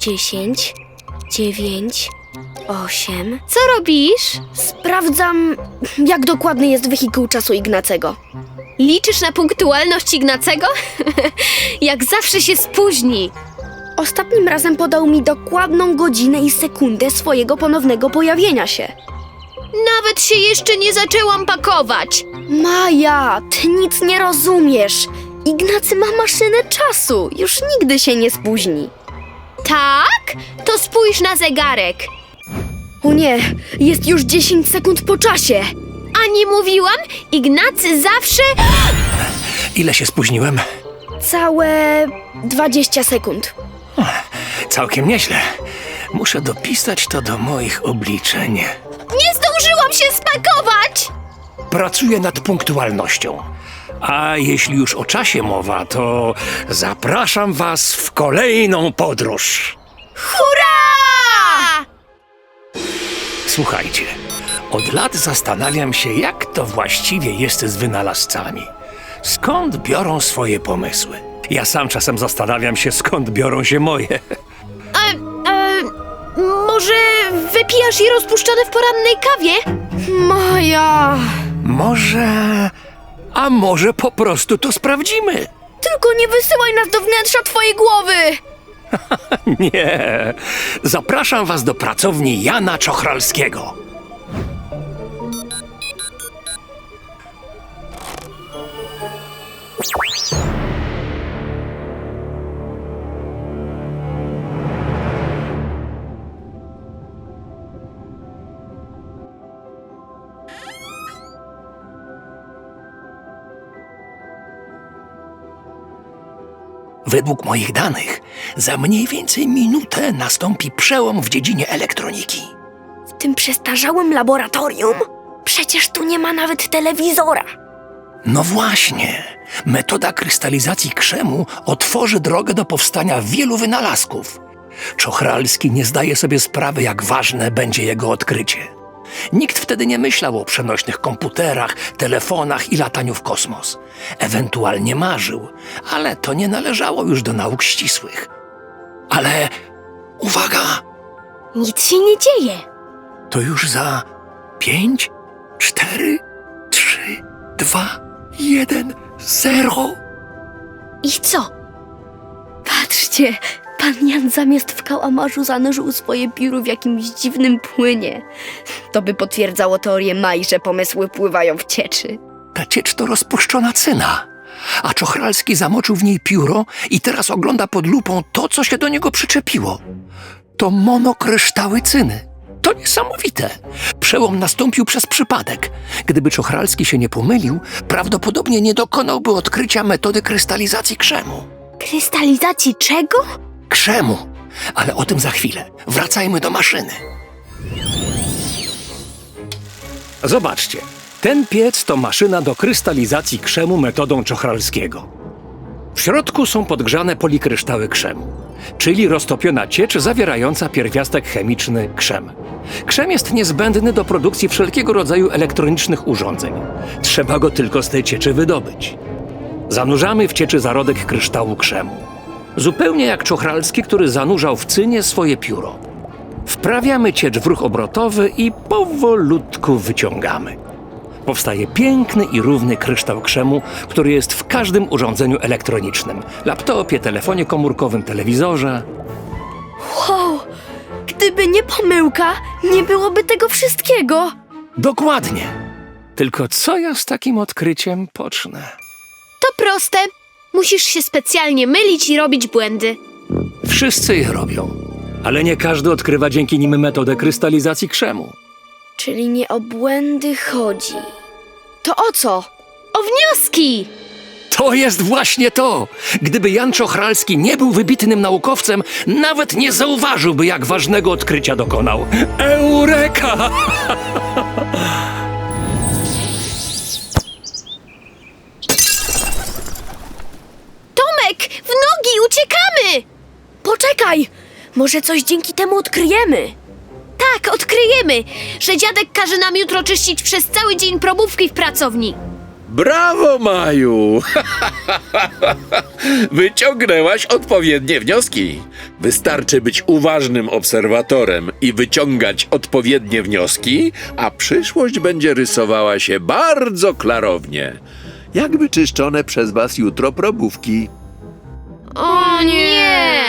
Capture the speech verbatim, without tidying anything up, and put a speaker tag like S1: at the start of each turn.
S1: dziesięć, dziewięć, osiem.
S2: Co robisz?
S1: Sprawdzam, jak dokładny jest wehikuł czasu Ignacego.
S2: Liczysz na punktualność Ignacego? Jak zawsze się spóźni.
S1: Ostatnim razem podał mi dokładną godzinę i sekundę swojego ponownego pojawienia się.
S2: Nawet się jeszcze nie zaczęłam pakować.
S1: Maja, ty nic nie rozumiesz. Ignacy ma maszynę czasu. Już nigdy się nie spóźni.
S2: Tak? To spójrz na zegarek.
S1: O nie, jest już dziesięć sekund po czasie.
S2: A nie mówiłam? Ignacy zawsze...
S3: Ile się spóźniłem?
S1: Całe dwadzieścia sekund.
S3: Całkiem nieźle. Muszę dopisać to do moich obliczeń.
S2: Nie zdążyłam się spakować!
S3: Pracuję nad punktualnością. A jeśli już o czasie mowa, to zapraszam was w kolejną podróż.
S2: Hurra!
S3: Słuchajcie, od lat zastanawiam się, jak to właściwie jest z wynalazcami. Skąd biorą swoje pomysły? Ja sam czasem zastanawiam się, skąd biorą się moje.
S2: E, e, może wypijasz je rozpuszczone w porannej kawie?
S1: Maja!
S3: Może... A może po prostu to sprawdzimy?
S1: Tylko nie wysyłaj nas do wnętrza twojej głowy!
S3: Nie. Zapraszam was do pracowni Jana Czochralskiego. Według moich danych, za mniej więcej minutę nastąpi przełom w dziedzinie elektroniki.
S1: W tym przestarzałym laboratorium? Przecież tu nie ma nawet telewizora.
S3: No właśnie, metoda krystalizacji krzemu otworzy drogę do powstania wielu wynalazków. Czochralski nie zdaje sobie sprawy, jak ważne będzie jego odkrycie. Nikt wtedy nie myślał o przenośnych komputerach, telefonach i lataniu w kosmos. Ewentualnie marzył, ale to nie należało już do nauk ścisłych. Ale uwaga,
S2: Nic się nie dzieje.
S3: to już za pięć, cztery, trzy, dwa, jeden, zero.
S2: I co?
S1: Patrzcie, pan Jan zamiast w kałamarzu zanurzył swoje pióro w jakimś dziwnym płynie. To by potwierdzało teorię Mai, że pomysły pływają w cieczy.
S3: Ta ciecz to rozpuszczona cyna, a Czochralski zamoczył w niej pióro i teraz ogląda pod lupą to, co się do niego przyczepiło. To monokryształy cyny. To niesamowite. Przełom nastąpił przez przypadek. Gdyby Czochralski się nie pomylił, prawdopodobnie nie dokonałby odkrycia metody krystalizacji krzemu.
S1: Krystalizacji czego?
S3: Krzemu. Ale o tym za chwilę. Wracajmy do maszyny. Zobaczcie. Ten piec to maszyna do krystalizacji krzemu metodą Czochralskiego. W środku są podgrzane polikryształy krzemu, czyli roztopiona ciecz zawierająca pierwiastek chemiczny krzem. Krzem jest niezbędny do produkcji wszelkiego rodzaju elektronicznych urządzeń. Trzeba go tylko z tej cieczy wydobyć. Zanurzamy w cieczy zarodek kryształu krzemu. Zupełnie jak Czochralski, który zanurzał w cynie swoje pióro. Wprawiamy ciecz w ruch obrotowy i powolutku wyciągamy. Powstaje piękny i równy kryształ krzemu, który jest w każdym urządzeniu elektronicznym. Laptopie, telefonie komórkowym, telewizorze.
S1: Wow! Gdyby nie pomyłka, nie byłoby tego wszystkiego.
S3: Dokładnie. Tylko co ja z takim odkryciem pocznę?
S2: To proste. Musisz się specjalnie mylić i robić błędy.
S3: Wszyscy je robią, ale nie każdy odkrywa dzięki nim metodę krystalizacji krzemu.
S1: Czyli nie o błędy chodzi. To o co?
S2: O wnioski!
S3: To jest właśnie to! Gdyby Jan Czochralski nie był wybitnym naukowcem, nawet nie zauważyłby, jak ważnego odkrycia dokonał. Eureka!
S2: Tomek, w nogi, uciekamy!
S1: Poczekaj! Może coś dzięki temu odkryjemy.
S2: Tak, odkryjemy, że dziadek każe nam jutro czyścić przez cały dzień probówki w pracowni.
S4: Brawo, Maju! Wyciągnęłaś odpowiednie wnioski. Wystarczy być uważnym obserwatorem i wyciągać odpowiednie wnioski, a przyszłość będzie rysowała się bardzo klarownie. Jakby czyszczone przez was jutro probówki.
S2: O nie!